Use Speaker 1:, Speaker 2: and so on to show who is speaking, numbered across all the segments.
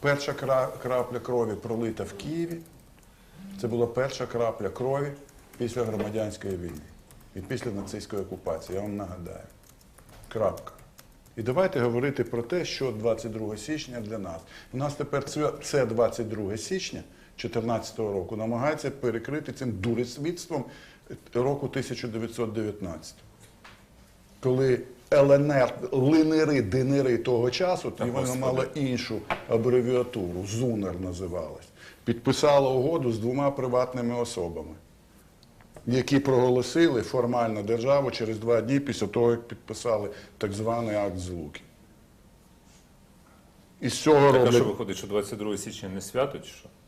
Speaker 1: Перша крапля крові пролита в Києві. Це була перша крапля крові після громадянської війни і після нацистської окупації, я вам нагадаю. Крапка. І давайте говорити про те, що 22 січня для нас. У нас тепер це 22 січня 2014 року намагається перекрити цим дурисвітством року 1919. Коли ЛНР, линери, динери того часу, тоді вона мала іншу абревіатуру, ЗУНР називалась, підписала угоду з двома приватними особами, які проголосили формально державу через 2 дні після того, як підписали так званий акт злуки. І з цього роблять...
Speaker 2: А що виходить, що 22 січня не свято, чи що?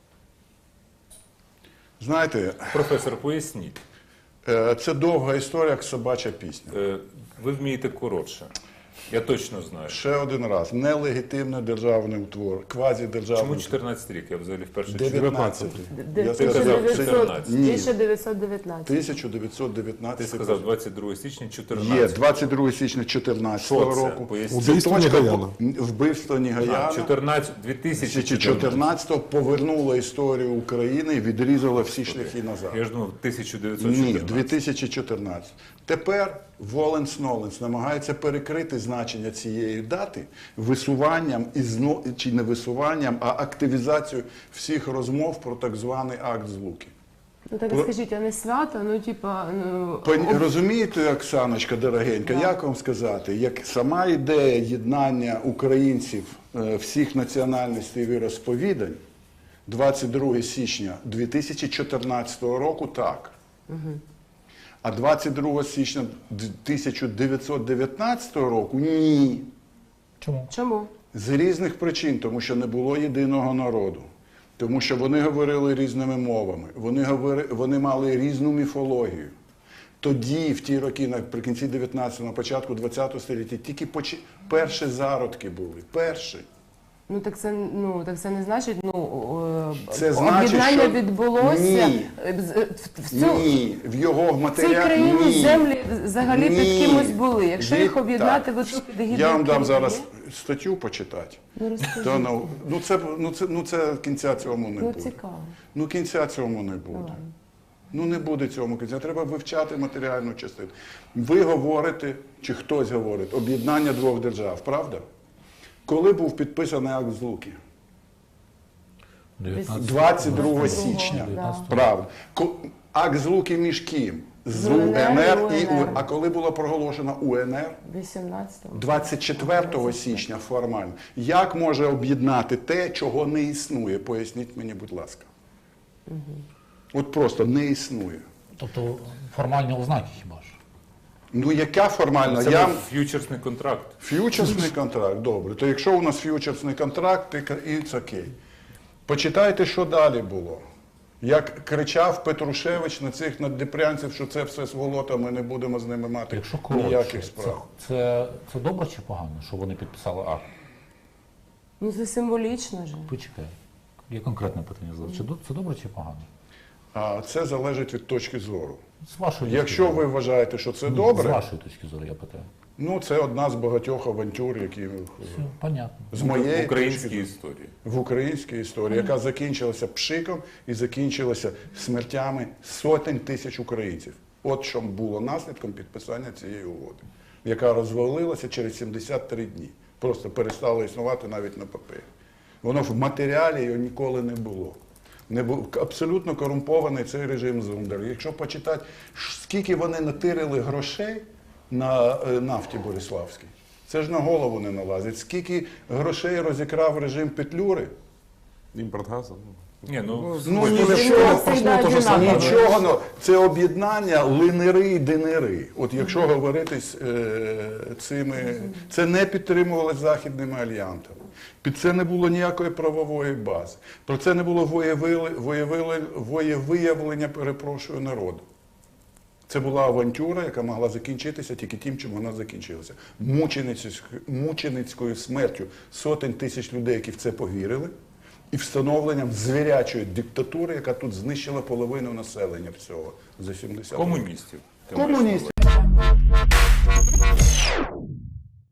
Speaker 1: Знаєте...
Speaker 2: Професор, поясніть.
Speaker 1: Це довга історія, як собача пісня.
Speaker 2: Ви вмієте коротше. Я точно знаю.
Speaker 1: Ще один раз. Нелегітимний державний утвор, квазідержавний.
Speaker 2: Чому 14 рік? Я взагалі вперше чую.
Speaker 1: 19.
Speaker 3: 1919.
Speaker 1: 1919.
Speaker 2: Ти сказав 22 січня 14.
Speaker 1: Є 22 січня 2014 року.
Speaker 4: Убивство Нігаяна.
Speaker 1: Вбивство Нігаяна. 2014 повернуло історію України і відрізало всі шляхи назад.
Speaker 2: Я ж думав, 1914.
Speaker 1: Ні, 2014. Тепер Воленс-Ноленс намагається перекрити значення цієї дати висуванням, чи не висуванням, а активізацією всіх розмов про так званий акт злуки.
Speaker 3: Ну так скажіть, а не свято, ну типа...
Speaker 1: Розумієте, Оксаночка дорогенька, як вам сказати, як сама ідея єднання українців всіх національностей і віросповідань 22 січня 2014 року так. А 22 січня 1919 року ні.
Speaker 3: Чому?
Speaker 1: З різних причин, тому що не було єдиного народу. Тому що вони говорили різними мовами, вони мали різну міфологію. Тоді, в ті роки, наприкінці 19-го, на початку 20-го століття, тільки перші зародки були. Перші.
Speaker 3: Ну так це не значить,
Speaker 1: це значить,
Speaker 3: об'єднання
Speaker 1: що...
Speaker 3: відбулося.
Speaker 1: Ні, в його матеріалі...
Speaker 3: В цій країні землі взагалі під кимось були. Якщо їх об'єднати в одну під гідну...
Speaker 1: Я вам дам зараз статтю почитати. Це кінця цьому не буде.
Speaker 3: Цікаво.
Speaker 1: Кінця цьому не буде. Не буде цьому кінця. Треба вивчати матеріальну частину. Ви говорите, чи хтось говорить, об'єднання двох держав, правда? Коли був підписаний акт злуки? 22 січня. Правда. Акт злуки між ким? З УНР і УНР. А коли було проголошено УНР? 24 січня формально. Як може об'єднати те, чого не існує? Поясніть мені, будь ласка. От просто не існує.
Speaker 4: Тобто формальні ознаки хіба ж?
Speaker 1: Яка формальна?
Speaker 2: Це був ф'ючерсний контракт.
Speaker 1: Ф'ючерсний контракт, добре. То якщо у нас ф'ючерсний контракт, it's окей. Почитайте, що далі було. Як кричав Петрушевич на цих наддніпрянців, що це все сволота, ми не будемо з ними мати ніяких справ.
Speaker 4: Це добре чи погано, що вони підписали акт?
Speaker 3: Це символічно ж.
Speaker 4: Почекай. Є конкретне питання. Це добре чи погано?
Speaker 1: Це залежить від точки зору.
Speaker 4: З вашої точки
Speaker 1: Якщо
Speaker 4: зору.
Speaker 1: ви вважаєте, що це добре...
Speaker 4: З вашої точки зору, я питаю.
Speaker 1: Це одна з багатьох авантюр, які...
Speaker 4: Все, понятно.
Speaker 1: З моєї
Speaker 2: в українській історії.
Speaker 1: В українській історії, яка закінчилася пшиком і закінчилася смертями сотень тисяч українців. От що було наслідком підписання цієї угоди, яка розвалилася через 73 дні. Просто перестала існувати навіть на папері. Воно в матеріалі його ніколи не було. Не був абсолютно корумпований цей режим Зундер. Якщо почитати, скільки вони натирили грошей на нафті Бориславській, це ж на голову не налазить. Скільки грошей розікрав режим Петлюри?
Speaker 5: Імпорт газу.
Speaker 1: Нічого. Це об'єднання линери і динери. От якщо говорити з цими... Це не підтримувалося західними альянсами. Під це не було ніякої правової бази. Про це не було воєвиявлення, народу. Це була авантюра, яка могла закінчитися тільки тим, чим вона закінчилася. Мученицькою смертю сотень тисяч людей, які в це повірили, і встановленням звірячої диктатури, яка тут знищила половину населення всього за 70 років.
Speaker 2: Комуністів.
Speaker 1: Комуністів.